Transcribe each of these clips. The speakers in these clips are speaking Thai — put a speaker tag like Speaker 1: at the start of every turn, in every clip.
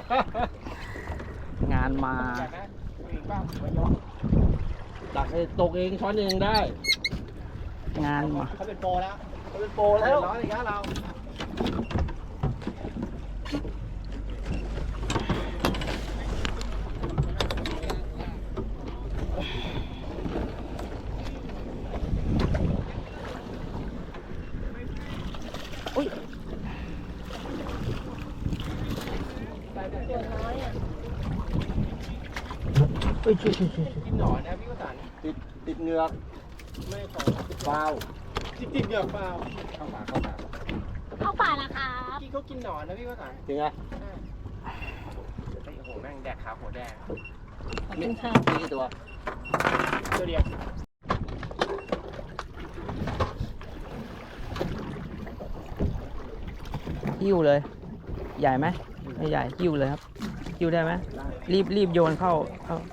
Speaker 1: งานมา
Speaker 2: ดักให้ตกเองช้อนเองได้
Speaker 1: งานมา
Speaker 3: เขาเป็นโปรแล้ว
Speaker 2: เขาเป็นโปรแล้ว
Speaker 3: ร้อนอีกแล้วเรา
Speaker 1: อุ้ย อุ้ยช่วย
Speaker 3: กินหนอนนะพี่วสันต์
Speaker 2: ติดเหงือก
Speaker 3: ไม่ขอ
Speaker 2: ฟาว
Speaker 3: ติดเหงือกเปล่า
Speaker 2: เข้ามา
Speaker 4: เข้าป่าละครับ
Speaker 3: พี่เขากินหนอนนะพี่วสันต์
Speaker 2: จริงไง
Speaker 3: โอ้โหแม่งแดกขาหัวแดง
Speaker 4: ขอบคุณค่ะ
Speaker 2: มีกี่ตัว
Speaker 3: ตัวเดียว
Speaker 1: หิ้วเลย ใหญ่ไหมไม่ใหญ่หิ้วเลยครับหิ้วได้ไหมรีบโยนเข้า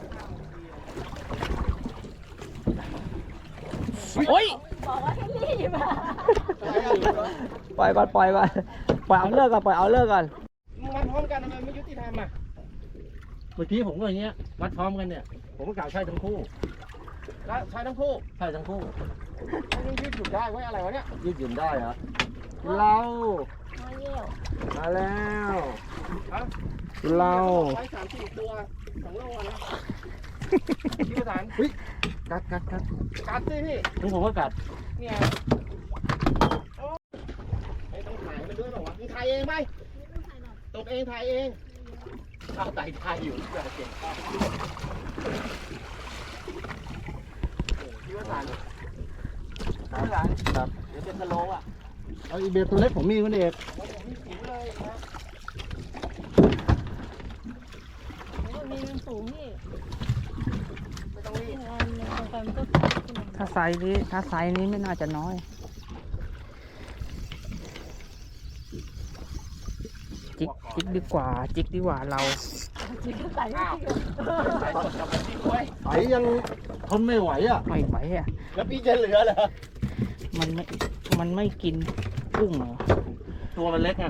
Speaker 1: โอ้ย
Speaker 4: บอกว่าให้รีบอะ
Speaker 1: ปล่อยก่อนปล่อยเอาเลิกก่อน
Speaker 3: มันพร้อมกันทำไมไม่ยุติธรรมอ่ะ
Speaker 2: เมื่อกี้ผมก็อย่างเงี้ยวัดพร้อมกันเนี่ย ผมก็กล่าวใช่ทั้งคู่
Speaker 3: แล้วใช้ทั้งคู่
Speaker 2: ใช่ทั้งคู่
Speaker 3: มันยืดหยุ่นได้ไว้อะไรวะเนี่ย
Speaker 2: ยืดหยุ่นได้เหรอเรา
Speaker 4: มาเยี่ยว
Speaker 2: มาแล้ว
Speaker 3: ฮะ
Speaker 2: เรา
Speaker 3: ไว้3-4 ตัว2 โลนะพี่วสันต์
Speaker 2: กัด
Speaker 3: กัดสิพี่
Speaker 2: นี่ผมก็กัด
Speaker 3: เนี่ยโอ้ไม่ต้องถ่ายมันด้วยหรอวะมึงถ่ายเองไหมตกเองถ่ายเองเอาไต่ถ่ายอยู่เกิดเก่งพี่วสันต์พี่วสันต์
Speaker 2: ครับ
Speaker 3: เดี๋ยวเป็นสโลว์อ่ะ
Speaker 2: เอาอีเบลตัวเล็กผมมีคุณเอก
Speaker 3: โอ้ยผมมีผิวเลยนะ
Speaker 4: มีมันสูงพี่
Speaker 3: ไม่ต้องรีบ
Speaker 4: งานเนี่ยตอนก็
Speaker 1: ถ้าไซส์นี้ไม่น่าจะน้อยจิกดีกว่าเรา
Speaker 4: จิกก็ใส่
Speaker 3: อ้าวใส่สดกับมันที่ด้วย
Speaker 2: ไสยังทนไม่ไหวอ่ะ
Speaker 1: ไม่ไหวอ่ะ
Speaker 3: แล้วพี่จะเหลือเหรอ
Speaker 1: มันไม่กินกุ้งเหรอ
Speaker 2: ตัวมันเล็กไง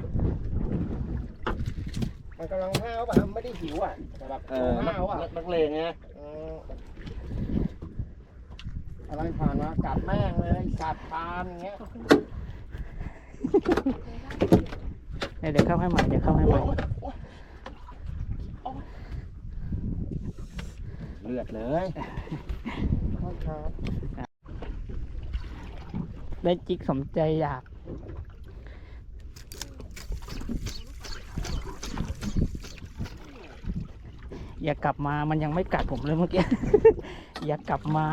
Speaker 3: มันกำลังห้าวป่ะไม่ได้หิวอ่ะแต่แบบ
Speaker 2: นั
Speaker 3: ห้าวอ่ะ
Speaker 2: กเลงไง
Speaker 3: อะไรผ่านมากัดแม่งเลยกัดปานอย่างเงี้ย
Speaker 1: เดี๋ยวเข้าให้ใหม่
Speaker 3: เลือดเลยครับ
Speaker 1: ได้จิกสมใจอยาก อย่ากลับมามันยังไม่กัดผมเลยเมื่อกี้ อย่ากลับมา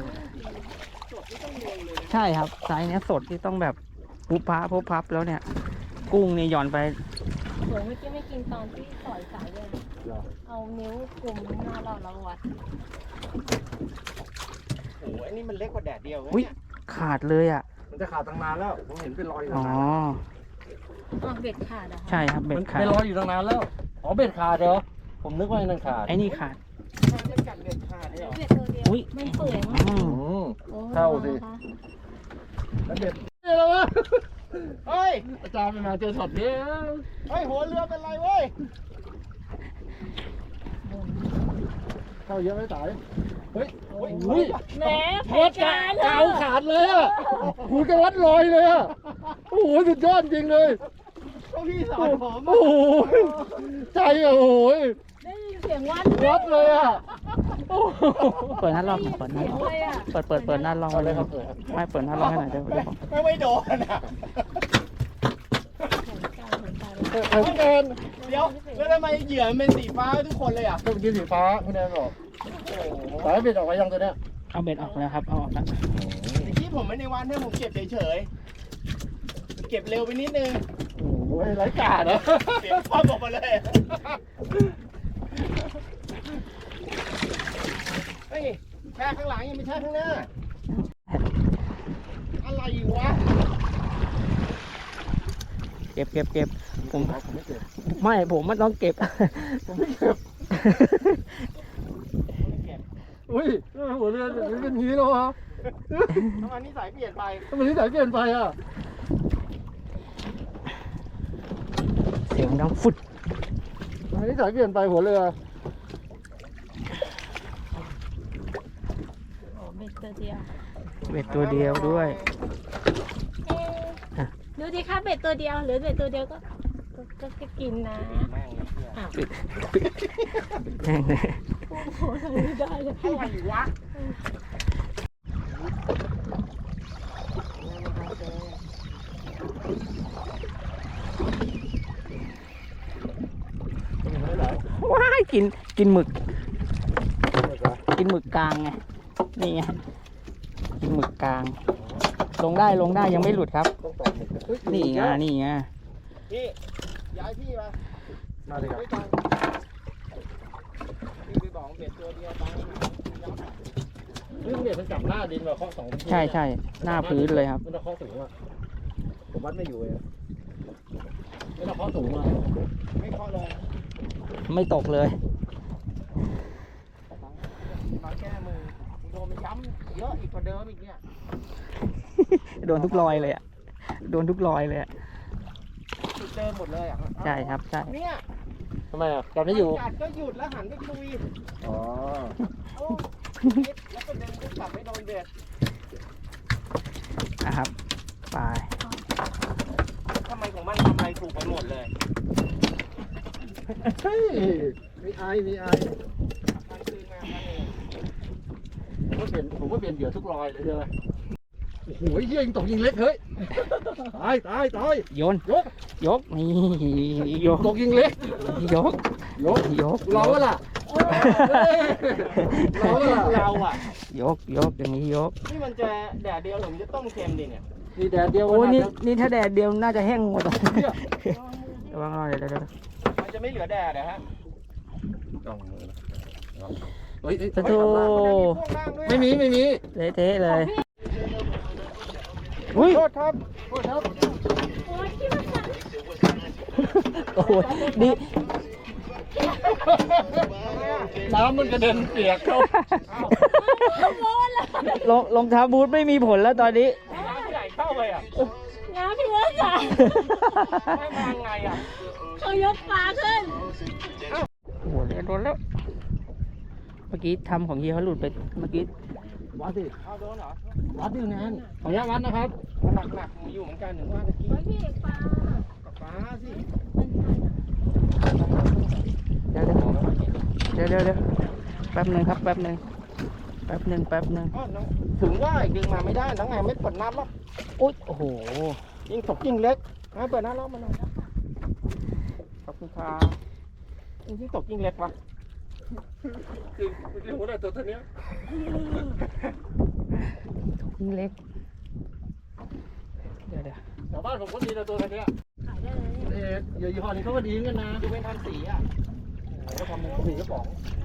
Speaker 1: ใช่ครับไซส์เนี้ยสดที่ต้องแบบพุบพับแล้วเนี่ย กุ้งเนี่ยหย่อนไป
Speaker 4: เหมือนเมื่อกี้ไม่กินตอนที่สอยสายเลยเอานิ้วกลุ่มหน้าเราแล้ววัด
Speaker 3: โอ้โหอันนี้มันเล็กกว่าแดดเดียว
Speaker 1: อุ๊ย
Speaker 3: เนี่ย
Speaker 1: ขาดเลยอ่ะ
Speaker 2: มันจะขาดตั้งนานแล้ว ผมเห็นเป็นรอยอยู่
Speaker 1: อ๋
Speaker 2: ตั้
Speaker 1: อ
Speaker 2: งนาน
Speaker 4: เบ็ดขาดอะ
Speaker 1: ใช่ครับเบ็
Speaker 2: มั
Speaker 1: ด
Speaker 2: น
Speaker 1: ขาด
Speaker 2: เป็นรอยอยู่ตั้งนานแล้ว อ๋อเบ็ดขาดเหรอ ผมนึกว่าไอ้นั่นขาด
Speaker 1: ไอ้นี่ขาด
Speaker 3: มันกัดเด็ดขาดเลยเหรอ
Speaker 4: เบ็ดตัวเดียว
Speaker 1: อุ๊ย
Speaker 4: มันเปื่อยมาก
Speaker 1: อืม
Speaker 4: โอ้
Speaker 2: เข้าสิ
Speaker 4: นะคะ
Speaker 2: แล้วเบ็ดเฮ้ยแล้ววะ
Speaker 3: เฮ้ย
Speaker 2: อาจารย์ไม่มาเจอช็อตนี้
Speaker 3: เฮ้ยหัวเรือเป็นไรเว้ย
Speaker 2: เข้าเยอะไหมสายเฮ้ย
Speaker 3: อุ้ย
Speaker 4: แหมแผ
Speaker 2: วัด
Speaker 4: นการ
Speaker 2: เก่าขาดเลยอ่ะคุณก็วัดลอยเลยอ่ะ โอ้โหสุดยอดจริงเลย
Speaker 3: ก็พี่สอนผม
Speaker 2: โอ้โหใจอ่ะโอ้โห
Speaker 4: ได้ยินเสียงวัด
Speaker 2: วัดเลยอ่ะโอ้โห
Speaker 1: เปิดหน้าลองเปิดหน้า
Speaker 4: เสีย
Speaker 1: ล
Speaker 4: ง
Speaker 1: อง
Speaker 4: เลยอะ
Speaker 1: เปิดหน้าลอง
Speaker 2: เอาเลย
Speaker 1: ค
Speaker 2: ค
Speaker 1: รั
Speaker 2: รั
Speaker 1: บบ
Speaker 2: เปิดครับ
Speaker 1: ไม่เปิดหน้าลองให้หน่อยเดี๋ยว
Speaker 3: ไม่โดนอ่ะ
Speaker 2: พี่แนน
Speaker 3: เดี๋ยวแล้วทำไมเหยื่อมันเป็นสีฟ้าทุกคนเลยอ่ะ
Speaker 2: เมื่อกี้สีฟ้าคุณแนนบอก
Speaker 3: โอ้โห
Speaker 2: สายเบ็ดออกไปยังตัวเนี้ย
Speaker 1: เอาเบ็ดออกแล้วครับเอาออกแล้ว
Speaker 3: เมื่อกี้ผมไม่ในวันเนี่ยผมเก็บเฉยๆเก็บเร็วไปนิดนึง
Speaker 2: โอ้โหไร้กาดนะ
Speaker 3: เสียงความออกมาเลยเฮ้ยแช่ข้างหลังยังไม่แช่ข้างหน้า อะไรวะ
Speaker 1: เก็บผม
Speaker 2: ผมไม่เจ็บ
Speaker 1: ไม่ผมมันต้องเก็บ
Speaker 2: ผมไม่เจ็บอุ้ยหัวเรือเป็นอย่างนี้แล้ววะ
Speaker 3: ทำไมนิสัยเปลี่ยนไป
Speaker 2: ทำไมนิสัยเปลี่ยนไปอ่ะ
Speaker 1: เสียงดังฟุด
Speaker 2: อันนี้สายเปลี่ยนไปหัวเรือ
Speaker 4: โอ้เบ็ดตัวเดียว
Speaker 1: เบ็ดตัวเดียวด้วย
Speaker 4: เอ๊ะดูดิคะเบ็ดตัวเดียวหรือเบ็ดตัวเดียวก็กินนะอ้าว
Speaker 1: แห้งเลย
Speaker 4: โอ้โหทำไม่ได้เลย
Speaker 3: อะไรวะ
Speaker 1: ว้ายกินหมึก กินหมึกกลางไง นี่ไง กินหมึกกลาง ลงได้ยังไม่หลุดครับ
Speaker 2: ต้องต่อหมึกเฮ้ย
Speaker 1: นี่ไง นี่ไง
Speaker 3: พี่ย้ายที่มา
Speaker 2: มาเลยครับ
Speaker 3: ไม่ต้องพี่ไปบอกเบ็ดตัวเดียวตังค์ยับ
Speaker 2: เรื่องเนี่ยมันจับหน้าดินมาเคาะสองที
Speaker 1: ใช่หน้าพื้นเลยครับ
Speaker 2: มันจะเคาะสูงอ่ะผมวัดไม่อยู่เลยไม่ต้องเคาะสูงอ่ะ
Speaker 3: ไม่เคาะลง
Speaker 1: ไม่ตกเลย
Speaker 3: มาแก้มือโดนมันย้ำเยอะอีกกว่าเดิมอีกเนี่ย
Speaker 1: โดนทุกรอยเลยอ่ะ โดนทุกรอยเลยอ่ะ
Speaker 3: จุดเดิมหมดเลยอ่ะ
Speaker 1: ใช่ครับ ใช่
Speaker 3: เนี่ย
Speaker 2: ทำไมอ่ะจับไม่อยู่
Speaker 3: จัดก็หยุดแล้วหันไปคุย
Speaker 2: อ๋อ
Speaker 3: โอ้คิดแล้วก็ดึงกลับไม่โดนเบ็ด
Speaker 1: นะครับ ไป
Speaker 3: ทำไมของมันทำอะไรถูกไปหมดเลย
Speaker 2: เฮ้ยมีไอมีไอ
Speaker 3: มันคืนมามันเอง
Speaker 2: ผมว่าเปลี่ยนเหยื่อทุกรอยเลยใช่ไหมโอ้โหเหี้ยยิงตกยิงเล็กเฮ้ยตาย
Speaker 1: โยน
Speaker 2: ยก
Speaker 1: ยก นี่ยก
Speaker 2: ตกยิงเล็ก
Speaker 1: ยก
Speaker 2: ยก
Speaker 1: ยก
Speaker 2: เราอะล่ะเราอะล่ะ
Speaker 3: เราอ่ะ
Speaker 1: ยก อย่างนี้ยก
Speaker 3: นี่มันจะแดดเดียวหรือมันจะต้มเค็มดิเนี่ย
Speaker 2: มีแดดเดียว
Speaker 1: โอ้ย
Speaker 2: ะ
Speaker 1: นี่ถ้าแดดเดียวน่าจะแห้งหมดอะ
Speaker 2: เนี่ย
Speaker 1: ระวังหน่อยเดี๋ยว
Speaker 3: มันจะไม่เหลือแดดนะฮะ
Speaker 2: ต้องมือเฮ้ย
Speaker 1: สะโธ
Speaker 2: ไม่มี
Speaker 1: เทะเลยอุ้ย
Speaker 2: โทษครับโทษครับ
Speaker 4: โอ้ยที่มันสั่น
Speaker 1: โอ้โหนี่
Speaker 2: น้ำมันกระเด็นเปียกเข้า
Speaker 1: รองเท้าบูทไม่มีผลแล้วตอนนี้
Speaker 3: น้ำใหญ่เข้าไปอ่ะ
Speaker 4: น้ำพี่ว่าสั่น
Speaker 3: ไม่มาไงอ่ะ
Speaker 4: เขายกปลาขึ้น
Speaker 1: โอ้โหโดนแล้ว เมื่อกี้ทำของเฮียเขาหลุดไป เมื่อกี้
Speaker 2: วัดสิ
Speaker 3: เอาโดนเหรอ
Speaker 2: วัดดิแนนขออนุญาตวัดนะครับ
Speaker 3: หนักๆอยู่เหมือนกันถึงว่าตะกี้
Speaker 4: โอ้ยพี่เอกปลา
Speaker 3: กับฟ้าสิ
Speaker 1: เดี๋ยวแป๊บหนึ่งครับ แป๊บหนึ่ง
Speaker 3: อ๋อน้องถึงว่าอีกดึงมาไม่ได้น้องไงไม่เปิดน้ำหรอก
Speaker 1: อุ๊ยโอ้โห
Speaker 3: ยิ่งตกยิ่งเล็กให้เปิดน้ำแล้วมาหน่อยขอบคุณครับยิ่งตกยิ่งเล็กวะ
Speaker 2: คือหัวหน้าตัวนี้
Speaker 1: ยิ่งเล็ก เดี๋ยว
Speaker 2: ชาวบ้านผมก็ดีนะตัวนี้
Speaker 4: ขายได้เลยเนี่ย
Speaker 2: เหยื่อยี่ห้อนี้เขาก็ดีเหมือนกันนะ
Speaker 3: ดูเป็นทำสีอ่ะ
Speaker 2: เขาทำเป็นสีกระป๋อง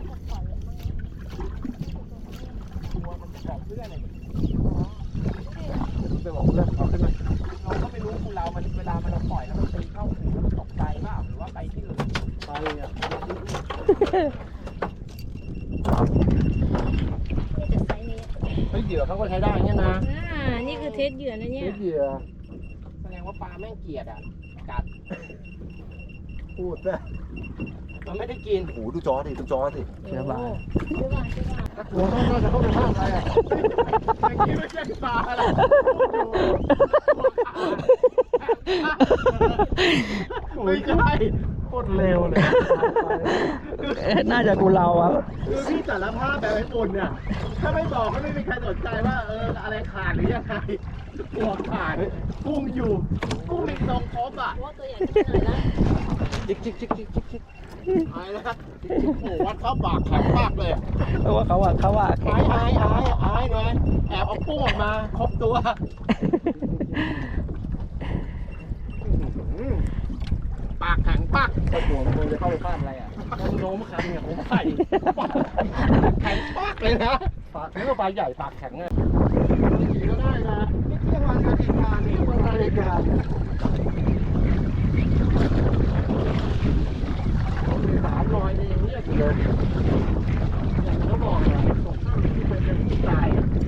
Speaker 3: ตัวมันจะบอกเพื่อนเลย
Speaker 2: ไปบอกเพื่อนเอาขึ้นมา
Speaker 3: เราก็ไม่รู้คุณเรามันเวลามันเราปล่อยแล้วมันตีเข้าหูแล้วมันตกใจเปล่าหรือว่าไปที่อื่น
Speaker 2: ไปอ่ะ
Speaker 4: นี่แต่ไซส์นี้
Speaker 2: เฮ้ยเหยื่อเขาก็ใช้ได้เนี่ยนะ
Speaker 4: นี่คือเทสเหยื่อนะเนี่ย
Speaker 2: เหยื่อ
Speaker 3: แสดงว่าปลาแม่งเกลียดอ่ะกัด
Speaker 2: พูดซะ
Speaker 3: มันไม่ได้กิน
Speaker 2: โอ้ดูจอดิดูจอสิ
Speaker 1: เชื้อบา
Speaker 4: เชื่อว่า
Speaker 2: หัวต้องน่าจะเข้าไปห้ามอะไรอ่ะ
Speaker 3: เมื่อกี้ไม่ใช่ปลาอะไรไม่ใช่
Speaker 2: โคตรเร็วเลย
Speaker 1: น่าจะกูเราอ่ะ
Speaker 3: คือพี่สารภาพแบบไอ้ปุ่นเนี่ย ถ้าไม่บอกก็ไม่มีใครสนใจว่าอะไรขาดหรือยังไงตัวขาดกุ้งอยู่กุ้งมีทรงครบอ่ะ
Speaker 4: ว่าตัวใหญ่ขึ้นหน่อยละ
Speaker 2: จิก
Speaker 3: ไอ้นะครับโอ้โหวัดเข้าปากแข็งมากเลย
Speaker 1: เพราะว่าเขาอ่ะ
Speaker 3: ไอ้หน่อยแอบเอากุ้งออกมาครบตัวปากแข็งปัก
Speaker 2: ถ้าหัวมันจะเข้าไปฟาดอะไรอ่ะ
Speaker 3: โน้มขันเนี่ยผมใส่แข็งปักเลยนะ
Speaker 2: ปากนี่ก็ปลาใหญ่ปากแข็งอ่ะ
Speaker 3: ขี่ก็ได้นะนี่เที่ยงวันกับอีกวันนี่วันอะไรกัน
Speaker 2: 300นี่เรียกอยู่เลยอย่างที่เขาบอกอ่ะตกข้ามที่เป็นที่ตาย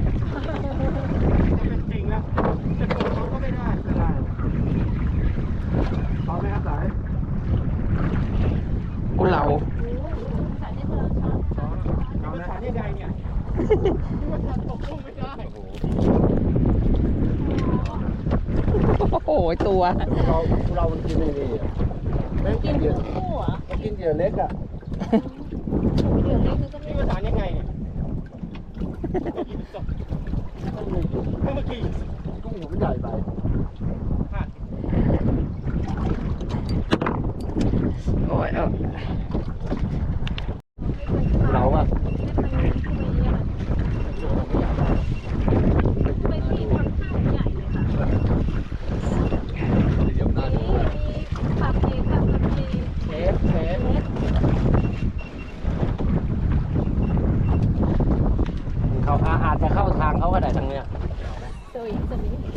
Speaker 3: เป็นจริงแล้วจะโกงเขาก็ไม่ได้
Speaker 2: ไม่ได้เอาไหมครับสาย
Speaker 1: กูเรา
Speaker 3: มันจะตกลงไม่ได้
Speaker 1: โอ้โหตัว
Speaker 2: เรามันกินไม่ดีแม่งกินเหยื่อ
Speaker 4: คู่เหรอ
Speaker 2: มันกินเหยื่อเล็กอ่ะ
Speaker 4: เดี๋ยวเล็กก็
Speaker 3: นี่
Speaker 4: ไม่
Speaker 3: ภาษายังไงเนี่ยเมื่อกี้
Speaker 2: กุ้งหัวมันใหญ่ไป
Speaker 1: โอ้ยเอา
Speaker 2: เราอ่ะ
Speaker 4: ไปที่ทำข้าวใหญ่เลยค่ะ
Speaker 2: เดี๋ยวหน้าดู
Speaker 4: มีผักเองกับผักเอง
Speaker 3: เทปเขาอาจจะเข้าทางเขาก็ได้ทางเนี้ย
Speaker 4: สวิง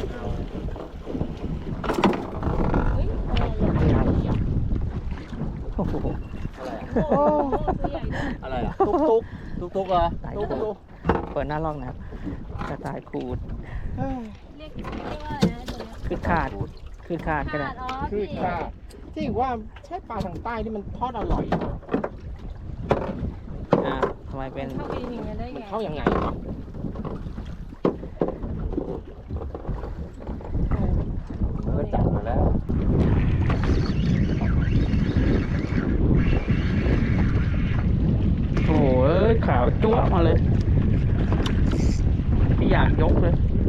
Speaker 4: เฮ้ยอะไรอ่ะ
Speaker 3: อะไรอ่ะ
Speaker 1: โอ้โห
Speaker 3: อะไรอ่ะ
Speaker 4: โอ้ตัวใหญ่ด้วย
Speaker 3: อะไรอ่ะตุ๊กเหรอตุ๊ก
Speaker 1: เปิดหน้าลอกนะครับกระต่ายขูด
Speaker 4: เรียกว่าอะไรนะตัวเนี้ย
Speaker 1: คือขาดคือขาดก็ได้
Speaker 4: ขาดอ๋อ
Speaker 3: คือ
Speaker 4: พี่
Speaker 3: ค่ะที่ว่าใช่ปลาทางใต้ที่มันทอดอร่อย
Speaker 1: อ่าทำไมเป็น
Speaker 4: เข้าไปอย่างนี้ได้
Speaker 3: มัน
Speaker 4: ไง
Speaker 3: เข้ายังไงวะ
Speaker 2: มันก็จับมาแล้ว
Speaker 1: โอ้โหขาวจ้วะมาเลยไม่อยากยกเลย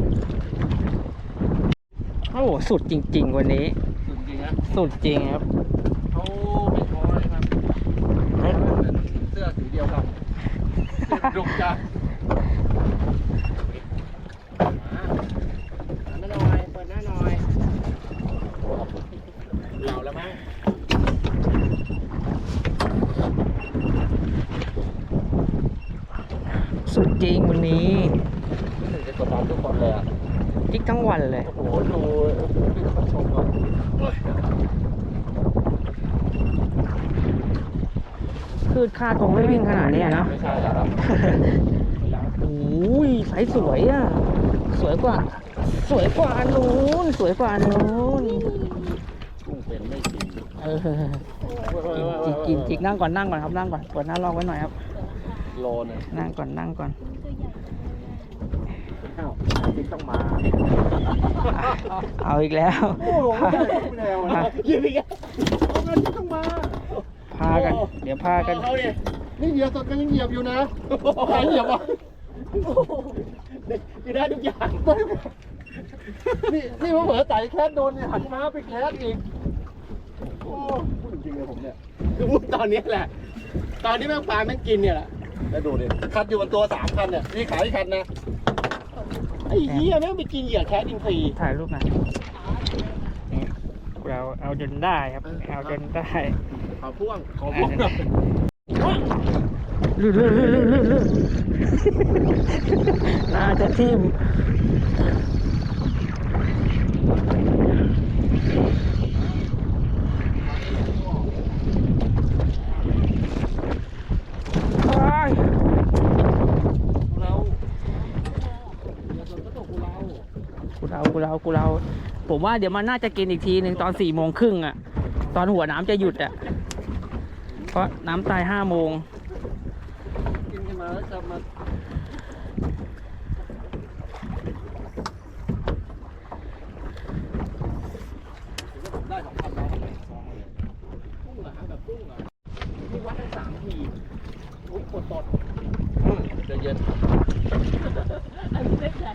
Speaker 1: โอ้โหสุดจริง ๆ วันนี้
Speaker 2: จริงๆนะ
Speaker 1: สุดจริงครับ
Speaker 2: เขาไม่ท้อเลยครับเหมือนเสื้อสีเดียวกันดุจ้ะ
Speaker 3: ไม่หน่อยเปิดหน้าหน่อยเหล่าแล้วมั้ง
Speaker 1: สุดจริงวันนี้
Speaker 2: รู้สึกจะกดดันทุกคนเลยอ่ะ
Speaker 1: จิกทั้งวันเลย
Speaker 2: โอ้โหดูพี่เขาชมก่อน
Speaker 1: คือคาดคงไม่วิ่งขนาดนี้นะ
Speaker 2: ไม่ใช่แล้วครับ
Speaker 1: โอ้ยไซส์สวยอ่ะ สวยกว่าอันนู้นสวยกว่าอันนู้น
Speaker 2: กุ้งเป็นไม่กิน
Speaker 1: เออกินจิกนั่งก่อนครับนั่งก่อนเปิดหน้าลอกไว้หน่อยครับ
Speaker 2: โลนึง
Speaker 1: นั่งก่อน
Speaker 2: อ้าวติ๊กต้องมา
Speaker 1: เอาอีกแล้ว
Speaker 2: โอ้โหไม่ได้ไม่แนวนะ
Speaker 3: ยืนอีกแล้วเอาเงินต้องมา
Speaker 1: พากัน เดี๋ยวพากัน
Speaker 3: เอาดิ
Speaker 2: นี่เหยียบสดกันยังเหยียบอยู่นะ
Speaker 3: ใครเหยียบวะคือได้ทุกอย่าง
Speaker 2: นี่ว่าเหมือนไต่แคสโดนเนี่ยหันม้าไปแคสอีกโอ้พูดจริงๆเลยผมเนี่ย
Speaker 3: คือพูดตอนนี้แหละ ตอนที่แม่งปลาแม่งกินเนี่ยแหละ
Speaker 2: แล้วดูดิคันอยู่บนตัว3คันเนี่ยนี่ขายคันนะ
Speaker 3: ไอ้เหี้ยแม่งไปกินเหยื่อแคสอินทรี
Speaker 1: ถ่ายรูปหน่อยนี่เราเอาจนได้ครับ เอาจนได้
Speaker 3: ขอพ่วง
Speaker 2: ขอพวกหน่อย
Speaker 1: ลื่นน่าจะทิ่มกูเราผมว่าเดี๋ยวมันน่าจะกินอีกทีหนึ่งตอน4:30อ่ะ ตอนหัวน้ำจะหยุดอ่ะ เพราะน้ำตาย5 โมง
Speaker 2: กินกันมาแล้วจะมาได้2,000แล้ว
Speaker 3: กุ้งเหรอฮะแบบกุ้งเหรอนี่วัดได้3 ทีอุ้ยปวดตด
Speaker 2: จะเย็น
Speaker 4: อันนี้ไม่ใช่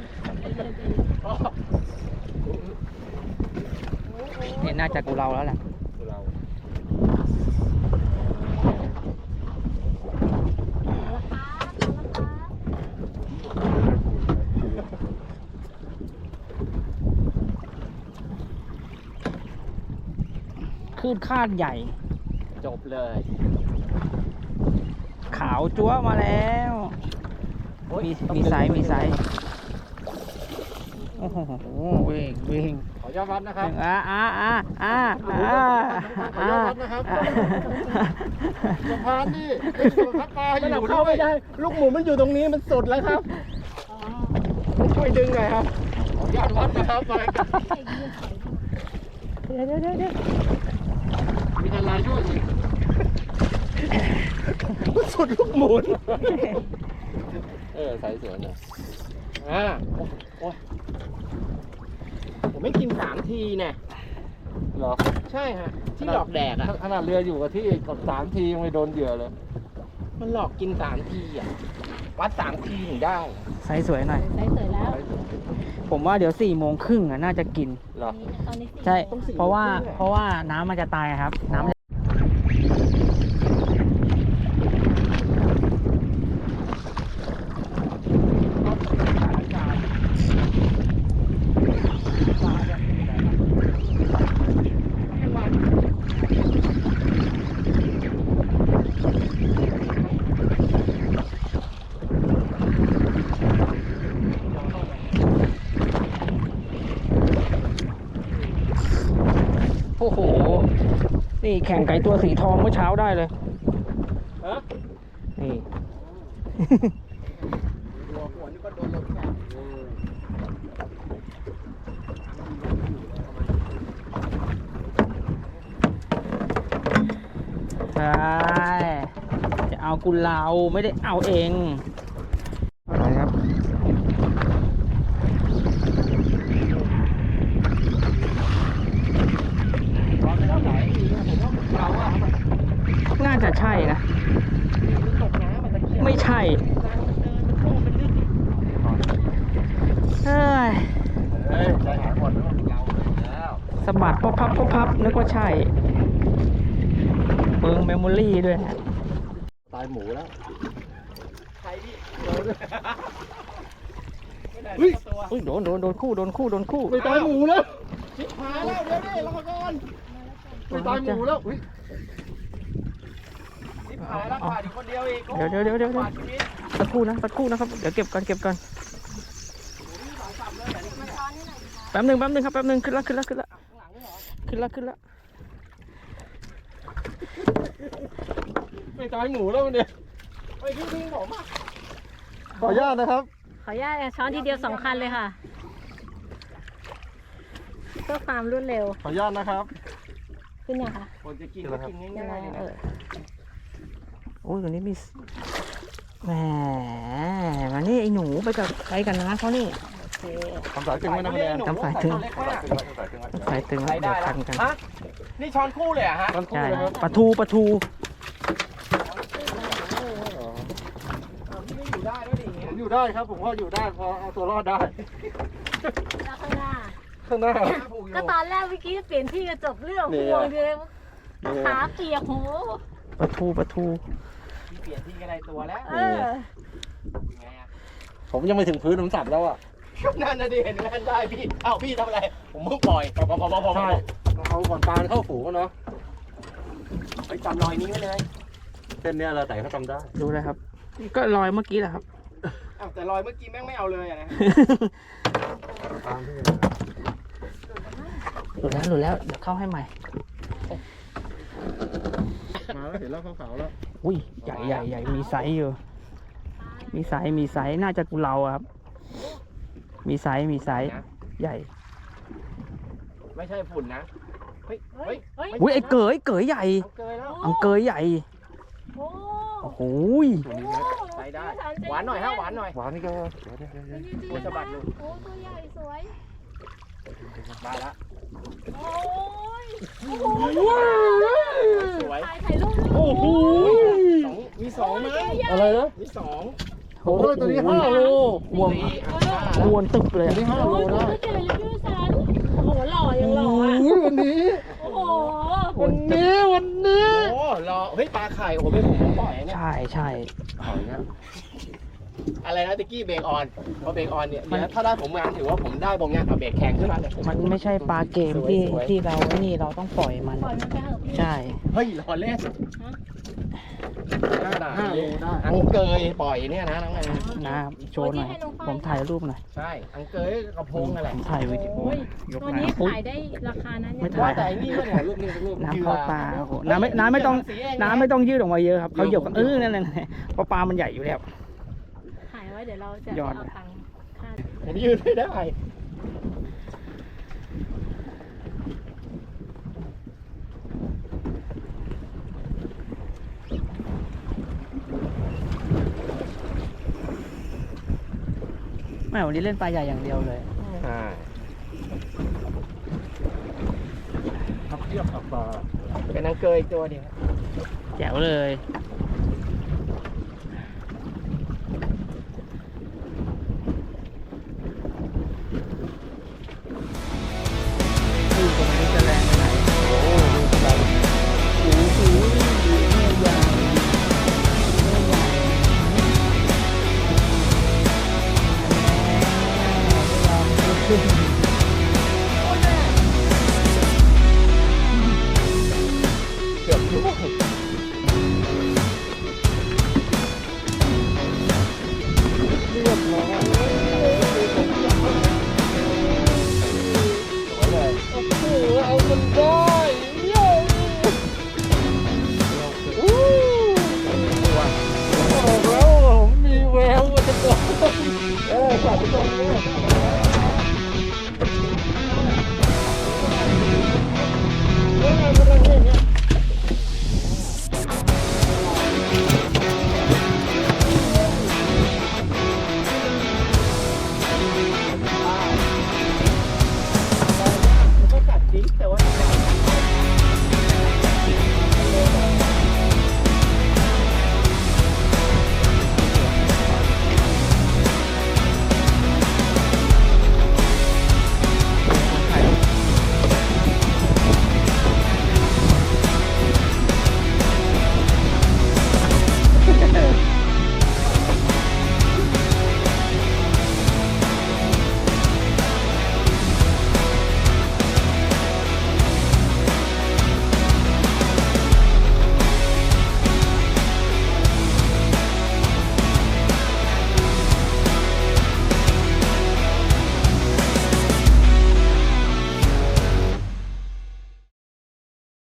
Speaker 1: เนี่ยน่าจะกูเราแล้วแหละ
Speaker 2: เรา
Speaker 1: คลื่นคาดใหญ่
Speaker 3: จบเลย
Speaker 1: ขาวจั๊วมาแล้วมีไซส์โอ้โหวิ่ง
Speaker 2: ขออนุญาตวัดนะครับ ขออนุญาตวัดนะครับสะพานนี่เป็นพักปลาอ
Speaker 3: มันเอา
Speaker 2: ยู่
Speaker 3: เข้า
Speaker 2: ด้ว
Speaker 3: ไม่
Speaker 2: ย
Speaker 3: ได้ ลูกหมูมันอยู่ตรงนี้มันสุดแล้วครับช่วยดึงหน่อยครับ
Speaker 2: ขออนุญาตวัดนะครับไป
Speaker 1: เดี๋ยว
Speaker 2: มีอะไรช่วยอีก
Speaker 3: สุดลูกหมูนใส่สวยเนี่ยโอ้ยผมไม่กิน3 ทีเนี่ย
Speaker 2: เหรอ
Speaker 3: ใช่ฮะที่หลอกแดกอ่ะ
Speaker 2: ขนาดเรืออยู่กับที่กับ3 ทียังไม่โดนเหยื่อเลย
Speaker 3: มันหลอกกิน3 ทีอ่ะวัด3 ทีถึงได้
Speaker 1: ไซส์สวยหน่อย
Speaker 4: ใส่เสร็จแล้ว
Speaker 1: ผมว่าเดี๋ยว4 โมงครึ่งอ่ะน่าจะกิน
Speaker 2: เหรอ
Speaker 4: ตอนนี้4
Speaker 1: ใช่
Speaker 3: ต้อง4
Speaker 1: เพราะว่า
Speaker 3: โมงครึ่งอะ
Speaker 1: เพราะว่าน้ำมันจะตายครับ น้ำมันจะ โอ้โห นี่แข่งไก่ตัวสีทองเมื่อเช้าได้เลย
Speaker 3: ฮะ
Speaker 1: นี่
Speaker 3: หัวนี่ก็โดนลมแขก
Speaker 1: ใช่ จะเอากุเลาไม่ได้เอาเองอะไรครับ น่าจะใช่นะ
Speaker 3: ตกน้ำมันตะเกียบ
Speaker 1: ไม่ใช่ เฮ้ย
Speaker 2: ใจหายหมดแล้ว
Speaker 1: สะบัดพบพับนึกว่าใช่ เบิงเมมโมรี่ด้วยฮะ
Speaker 2: ตายหมูแล้ว
Speaker 3: ใครพี่
Speaker 2: เฮ้ย
Speaker 3: ตัว
Speaker 1: อุ้ยโดนคู่
Speaker 2: ไม่ตายหมูแล้ว
Speaker 3: ชิบหายแล้วเดี๋ยวดิรอก่อน
Speaker 2: ไม่ตายหมูแล้วอุ้ย
Speaker 3: ชิบหายแล้วขาดอีกคนเดียวอีก
Speaker 1: เดี๋ยว
Speaker 3: ขาดชีวิต
Speaker 1: สักครู่นะครับ เดี๋ยวเก็บก่อนแป๊บหนึ่งครับแป๊บหนึ่งขึ้นละ
Speaker 2: ไม่ตายหมูแล้วมันเนี่ย
Speaker 3: เฮ้ยพี่ผมอ่ะ
Speaker 2: ขออนุญาตนะครับ
Speaker 4: ขออนุญาตช้อนทีเดียว2 คันเลยค่ะเพื่อความรวดเร็ว
Speaker 2: ขออนุญาตนะครับ
Speaker 4: ขึ้นยังคะ
Speaker 3: คนจะกินก็กิน
Speaker 4: ยัง
Speaker 3: ง่ายๆเลย
Speaker 4: ไง
Speaker 3: นะ
Speaker 1: โอ้ยตัวนี้มีแหมมานี่ไอ้หนูไปกับใครกันนะเขานี่
Speaker 4: โอเค
Speaker 2: ทำสายตึงไว้นะคุณแดน
Speaker 1: ทำสายตึง
Speaker 3: เล็กมาก
Speaker 1: สายตึง
Speaker 3: ใช้
Speaker 1: แล้ว
Speaker 3: ได้
Speaker 1: เดี๋ยว
Speaker 3: แล้
Speaker 1: คั
Speaker 3: วน
Speaker 1: กัน
Speaker 3: ฮะนี่ช้อนคู่เลยเหรอะฮะ
Speaker 2: มันคู่
Speaker 1: ใช่
Speaker 2: เลยครับ
Speaker 1: ปลาทู
Speaker 3: พี่ไม่อยู่ได้แล้วดิอย่างเงี้
Speaker 2: ผ
Speaker 3: ย
Speaker 2: มอยู่ได้ครับ ผมว่าอยู่ได้พอเอาตัวรอดได้
Speaker 4: แล้วข้างหน้า
Speaker 2: ข้างหน้า
Speaker 3: ผูกอยู่
Speaker 4: ก็ตอนแรกเมื่อกี้เปลี่ยนที่จะจบเรื่อง
Speaker 2: เนี่ย
Speaker 4: ห่วงเลยขาเปียกโห
Speaker 1: ปลาทู
Speaker 3: พี่เปลี่ยนที่ก็ได้ตัวแล้ว
Speaker 4: เออ
Speaker 3: ไงอะ
Speaker 2: ผมยังไม่ถึงพื้นผมสับแล้วอ่ะ
Speaker 3: นั่นนะดิเห็นไหมได้พี่เอ้าพี่ทำอะไรผมเพิ่งปล่อยพอ
Speaker 2: ใช่เอาก่อนปลาเข้าฝูงเนาะ
Speaker 3: ไปจำรอยนี้ไว้เลย
Speaker 2: เส้นเนี้ยเราแต่เขาทำได้
Speaker 1: ดูเลยครับ ก็ลอยเมื่อกี้แหละครับ
Speaker 3: อ้าวแต่รอยเมื่อกี้แม่งไม่เอาเลยอะนะ
Speaker 1: หลุดแล้ว เดี๋ยวเข้าให้ใหม่
Speaker 2: มาแล้วเห็นแล้วขาวๆแล้ว
Speaker 1: อุ้ย ใหญ่ มีไซส์อยู่ มีไซส์ น่าจะกุเลาอะครับ มีไซส์ ใหญ่
Speaker 3: ไม่ใช่ฝุ่นนะเฮ้ย
Speaker 4: เฮ้ย เฮ้ย
Speaker 1: อุ้ย ไอ้เกยใหญ่
Speaker 3: เอาเกยแล้ว
Speaker 1: อังเกยใหญ่
Speaker 4: โอ้
Speaker 1: โอ้โห
Speaker 3: ใช้ได้ หวานหน่อยฮะหวานหน่อย
Speaker 2: หวานนี่ก็
Speaker 3: โอ้ยสะบัดอยู่
Speaker 4: โอ้ตัวใหญ่สวย
Speaker 3: ได้ละ
Speaker 4: โอ้ย
Speaker 3: สวย
Speaker 4: ถ่ายรูป
Speaker 1: โอ้โห
Speaker 3: มีสองมั้ย
Speaker 2: อะไรนะ
Speaker 3: มีสอง
Speaker 2: โอ้โหตัวนี้5 โล
Speaker 1: วง
Speaker 3: สี่อ่ะ
Speaker 1: วนตึบเลย
Speaker 2: ตัวนี้5 โลได้
Speaker 4: ไม่เจอเลยพี่สันโอ้โหหล่อยังหล่ออ่ะ
Speaker 2: โอ้ยวันนี้
Speaker 4: โอ้โห
Speaker 2: วันนี้
Speaker 3: โอ้รอเฮ้ยปลาไข่โอ้โหเป็นผมปล่อยเนี่ย
Speaker 1: ใช่
Speaker 3: อะไรนะตะกี้เบรกออนพอเบรกออนเนี่ยเดี๋ยวถ้าได้ผมงานถือว่าผมได้บงงานเอาเบรกแข็งขึ้นมาเลย
Speaker 1: มันไม่ใช่ปลาเกมที่เราไอ้นี่เราต้องปล่อยมัน
Speaker 4: ปล่อยมันไปเถอะพี่
Speaker 1: ใช่
Speaker 3: เฮ้ยรอเล่น
Speaker 2: 5 โลได้
Speaker 3: อังเกยปล่อยเนี่ยนะน้องไง
Speaker 1: นะโชว์หน่อย ผมถ่ายรูปหน่อย
Speaker 3: ใช่อังเกยกระพงนั่นแหละ
Speaker 1: ผมถ่ายวิดีโอ
Speaker 4: โอ้ย
Speaker 1: ยก
Speaker 4: ตัว
Speaker 1: มา
Speaker 4: นี้
Speaker 1: อุ๊ย
Speaker 4: ขายได้ราคานั้น
Speaker 1: ไม่
Speaker 4: ยัง
Speaker 1: ถ่า
Speaker 3: ว่าแต่ไอ้นี่ก็เนี่ยรูปนี้เป็นรูป
Speaker 1: น้ำเข้าตาโอ้โหน้ำไม่ต้องยืดออกมาเยอะครับเขาหยกนั่นเพราะปลามันใหญ่อยู่แล้ว
Speaker 4: ถ่ายไว้เดี๋ยวเราจะ
Speaker 1: ยอด
Speaker 4: เอาตังค์ค่า
Speaker 3: ผมยืนไม่ได้
Speaker 1: ม่วันนี้เล่นปลาใหญ่อย่างเดียวเลย
Speaker 3: ใช่
Speaker 2: ทับเทียบกับปลา
Speaker 3: เป็นนางเกยอีกตัวเดียว
Speaker 1: แจ๋วเลย
Speaker 3: เ